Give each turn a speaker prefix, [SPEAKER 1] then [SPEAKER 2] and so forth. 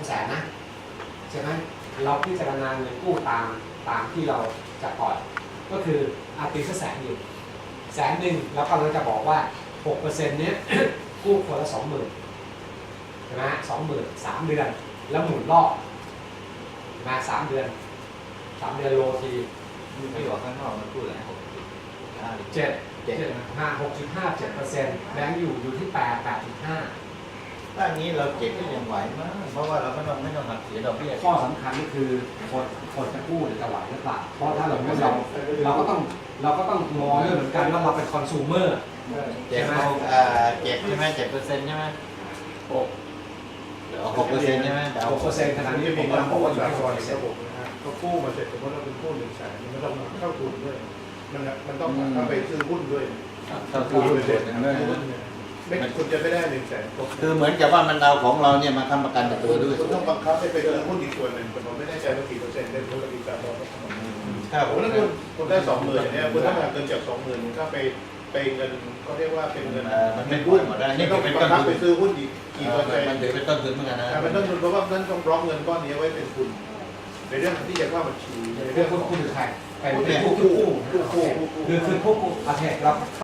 [SPEAKER 1] 300,000นะใช่ไหมเราพิจารณาเงินกู้ตามที่เราจะปล่อยก็คือตีสัก100,000อยู่100,000แล้วก็เราจะบอกว่า 6% เนี้ย กู้คนละ 20,000ใช่ไหม20,000 3 เดือนแล้วหมุนรอบมา3 เดือนโลที
[SPEAKER 2] ไม่บอกข้างนอกมันพูดอะไร
[SPEAKER 1] 6.57%แบงก์อยู่ที่8.5
[SPEAKER 2] ถ้างี้เราเก็บก็ยังไหวมากเพราะว่าเราไม่ต้องหักเสียดอกเบี้ย
[SPEAKER 1] ข้อสำคัญก็คือคนจะกู้หรือจะไหวหรือเปล่าเพราะถ้าเราก็ต้องมองด้วยเหมือนกันว่าเราเป็นคอน sumer
[SPEAKER 2] เจ็บใช่ไหม7%ใช่ไหม6%ใช่ไหม
[SPEAKER 1] 6%ขนาดนี้ผมว่าผมว่าอยู่ที่6%
[SPEAKER 3] เขากู้มาเสร็จสมมติเราเป็นกู้100,000มันต้องเข้าทุนด้วยมันต้องเข้าไปซื้อหุ้นด้วย
[SPEAKER 2] ถ้ากู้หุ้นเสร็จ
[SPEAKER 3] ไม่คุณจะไม่ได้100,000
[SPEAKER 2] คือเหมือนกับว่ามันเอาของเราเนี่ยมาค้ำประกันกับตัวด้วย
[SPEAKER 3] คุณต้องบังคับให้ไปซื้อหุ้นอีกส่วนหนึ่งผมไม่แน่ใจว่ากี่เปอร์เซ็นต์ได้รู้ละกี่สามร้อย
[SPEAKER 2] ถ้า
[SPEAKER 3] ผมนั่นคุณได้20,000เนี่ยคุณต้องการเงินจาก20,000คุณก็ไปเงินเขาเรียกว่าเป็นเงิน
[SPEAKER 2] มันไม่ปล่อยหมดได้
[SPEAKER 3] นี่ต้องบังคับไปซื้อหุ้นอีกกี่เปอร์เซ็นต์
[SPEAKER 2] มันถือเป็นต้นทุนเหมือนกันนะ
[SPEAKER 3] เป็นต้นทุนเพราะว่านั่นต้องบล็อกเงินก้อนนี้ไว้เป็นทุนในเรื่องที่จะเข้าบัญชี
[SPEAKER 1] ในเรื่องผู้ถือใครเป็นผู้กู้คือผู้กู้ประเทศเรา